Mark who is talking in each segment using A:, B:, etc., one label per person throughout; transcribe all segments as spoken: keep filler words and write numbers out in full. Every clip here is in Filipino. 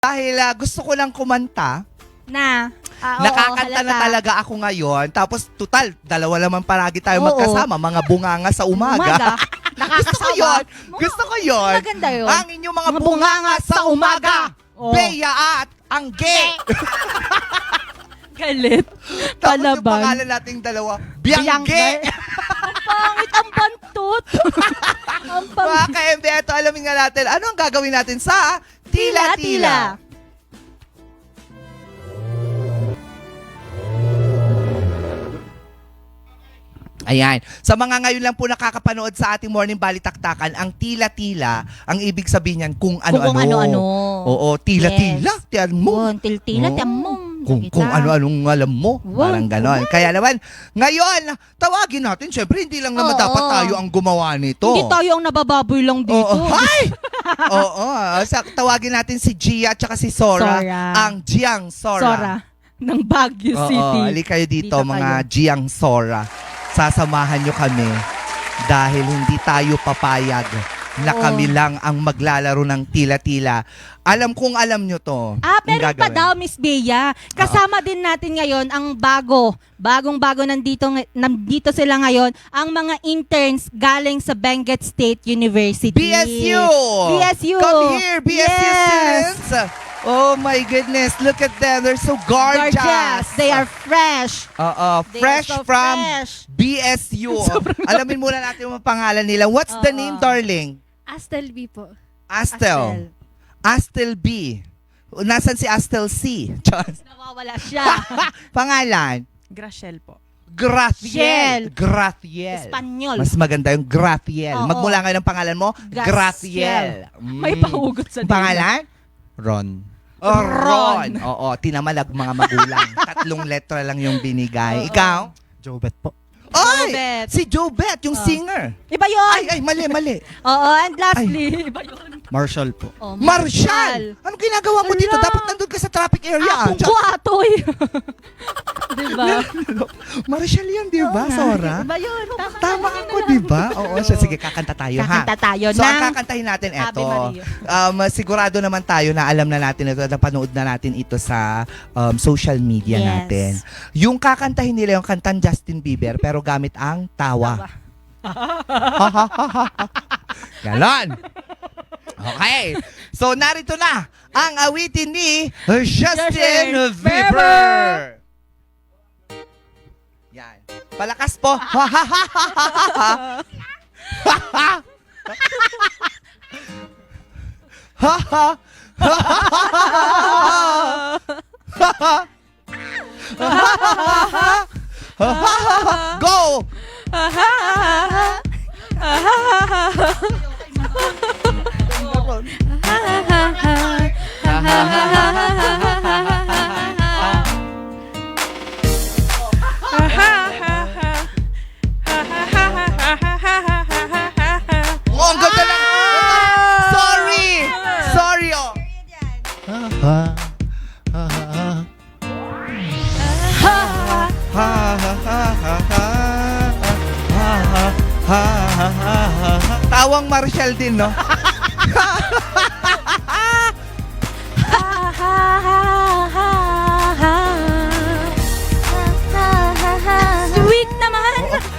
A: Dahil uh, gusto ko lang kumanta,
B: Na. Ah, oo,
A: nakakanta na
B: halata.
A: talaga ako ngayon. Tapos, total, dalawa naman palagi tayo
B: Oo.
A: magkasama. Mga bunganga sa umaga.
B: Umaga.
A: Gusto ko yun. Gusto ko yun.
B: Maganda yun.
A: Ang inyong mga,
B: Mga
A: bunganga sa umaga.
B: Oo.
A: Bea at Angge.
B: Galit.
A: Tapos yung
B: Palaban.
A: pangalan nating dalawa, Biangge.
B: Ang pangit, ang bantot. Ang
A: Mga
B: pangit.
A: ka-M B, ito alamin nga natin. Ano ang gagawin natin sa
B: Tila,
A: Tila-Tila?
B: tila.
A: Ayan. Sa mga ngayon lang po nakakapanood sa ating Morning Balitaktakan, ang tila-tila, ang ibig sabihin niyan kung ano-ano.
B: Kung ano-ano.
A: Oo, tila-tila.
B: Yes.
A: Tiyan mo.
B: Yun, til-tila,
A: Oo.
B: tiyan mo.
A: Kung,
B: Nakita.
A: kung ano-anong alam mo.
B: Wow.
A: Parang ganon. Kaya naman, ngayon, tawagin natin. Siyempre, hindi lang naman
B: Oo.
A: dapat tayo ang gumawa nito.
B: Hindi tayo ang nabababoy lang dito.
A: Oo. Hi! Oo. Sa, tawagin natin si Gia at saka si Sora.
B: Sora.
A: Ang Giang Sora.
B: Sora. Ng Baguio
A: Oo,
B: City.
A: ali kayo dito,
B: Dito
A: mga
B: kayo.
A: Giang Sora. Sasamahan nyo kami dahil hindi tayo papayag na
B: Oo.
A: kami lang ang maglalaro ng tila-tila. Alam kong alam nyo to.
B: Ah,
A: Ang
B: meron pa
A: gagawin.
B: daw, Miss Bea. Kasama din natin ngayon ang bago. Bagong-bago nandito, ng- nandito sila ngayon. Ang mga interns galing sa Benguet State University.
A: B S U!
B: B S U!
A: Come here, B S U
B: Yes!
A: students! Oh my goodness, look at them. They're so gorgeous.
B: Gorgeous. They are fresh.
A: Oo,
B: They
A: fresh
B: are so
A: from
B: fresh.
A: B S U. Alamin muna natin yung pangalan nila. What's the
B: Oo.
A: name, darling?
C: Astel B po.
A: Astel. Astel B. Nasaan si Astel C?
B: Nawawala siya.
A: Pangalan?
D: Graciel po.
A: Graciel.
B: Graciel.
A: Graciel.
B: Espanyol.
A: Mas maganda yung Graciel.
B: Oo.
A: Magmula ngayon ang pangalan mo,
B: Graciel.
A: Graciel.
B: May
A: Mm.
B: pahugot sa
A: Pangalan?
D: Ron.
A: Oh, Ron. Oo, tinamalag mga magulang. Tatlong letra lang yung binigay.
B: Oo.
A: Ikaw?
D: Jobet po.
A: Oy!
B: Jobet.
A: Si Jobet, yung
B: Oh.
A: singer.
B: Iba yun.
A: Ay, ay, mali, mali.
B: Oo, and lastly, iba yun.
D: Marshall po.
B: Oh,
A: Marshall! Anong ginagawa mo dito?
B: Ala.
A: Dapat nandun ka sa traffic area.
B: Akong kuatoy. diba?
A: Marshall yun, di ba, Sora?
B: Iba yun.
A: Tama ako, di ba? Oo, siya. Sige, kakanta tayo, ha?
B: Kakanta tayo
A: So, ang
B: ng
A: kakantahin natin,
B: Ave
A: eto.
B: Maria.
A: Um, sigurado naman tayo na alam na natin ito, napanood na natin ito sa um, social media
B: Yes.
A: natin. Yung kakantahin nila yung kantan Justin Bieber, pero gamit ang tawa. Ganon. Okay. So, narito na ang awitin ni Justin
B: Justin
A: Bieber. Yan. Palakas po. Go! Oh, ang ganda lang. Sorry! Sorry, oh. Tawang Marshall din, no?
B: Sweet naman.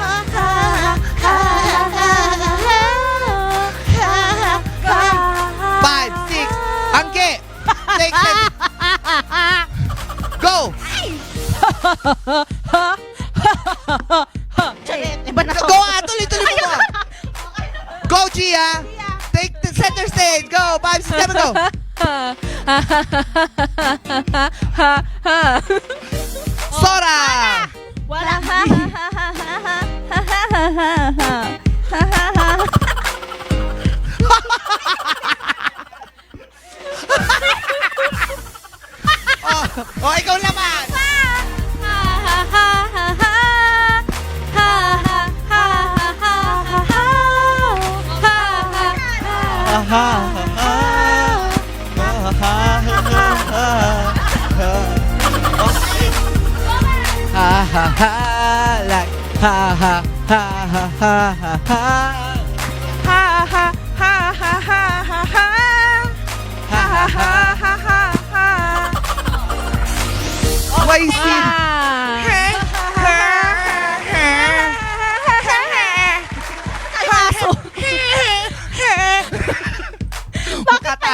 A: Five, six, Angge! Take it! Go!
B: Iba na to.
A: Go, ah! Tuloy-tuloy mo! Go, Gia! Take the center stage! Go! Five, six, seven, go! Sora!
B: Wala.
A: Oh, oh, ikaw naman! Ha ha ha, like ha ha ha ha ha ha ha. Ha ha ha ha ha ha ha. Ha ha ha ha ha.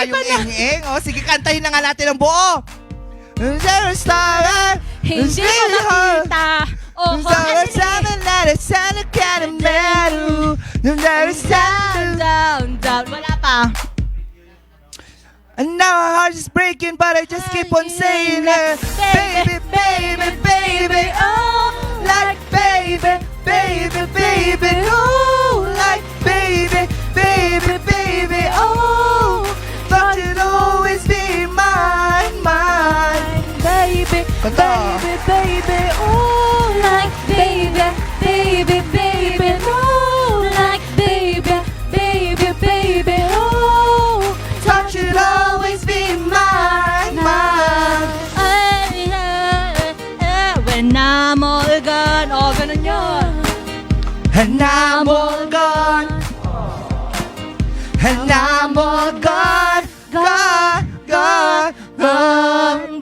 A: tayong ing-ing. O, sige, kantahin na nga natin ang buo. There's a star,
B: Hindi ko nakita. Oh, oh,
A: There's
B: kasi
A: something that is on the kind of metal. There's
B: down,
A: something.
B: down, down. Wala pa.
A: And now my heart is breaking, but I just keep on saying it. Baby, baby, baby, oh, like baby, baby, baby, oh, like baby, baby, baby, oh. Thought you'd always be mine, mine, baby,
B: Kanta.
A: baby, baby, oh,
B: Like baby, baby, baby, oh, like baby, baby, baby, oh.
A: thought you'd always be mine, mine.
B: Ay, ay, ay, when I'm all gone. Oh, ganun yun.
A: And I'm all gone. And I'm all gone, gone, gone, gone,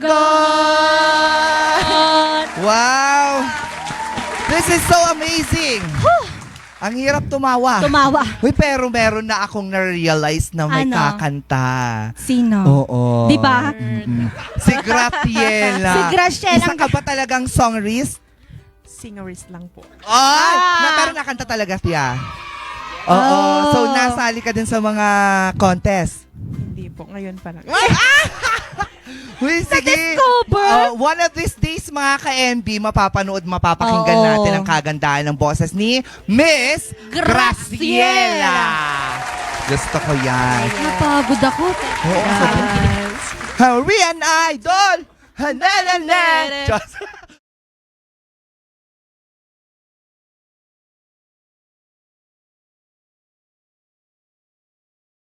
A: gone. Wow! This is so amazing. Ang hirap tumawa.
B: Tumawa.
A: Uy, pero meron na akong na-realize na may
B: Ano?
A: kakanta.
B: Sino?
A: Oo.
B: Di ba?
A: Mm-mm. Si Graciela.
B: Si Graciela.
A: Isa ka ba talagang songwrist?
D: Singerist lang po.
A: Ay!
B: Ah!
A: Na, pero nakanta talaga siya. Oo.
B: Oh.
A: So, nasali ka din sa mga contest.
D: Hindi po. Ngayon pa lang.
A: Uy, sige.
B: Na-discover?
A: Oh, one of these days, mga ka-M B, mapapanood, mapapakinggan
B: Oo.
A: natin ang kagandahan ng boses ni Miss
B: Graciela.
A: Graciela. Gusto ko yan.
B: Napagod ako.
A: Oo, sabi- Hurry an idol! Hanalalet! Just-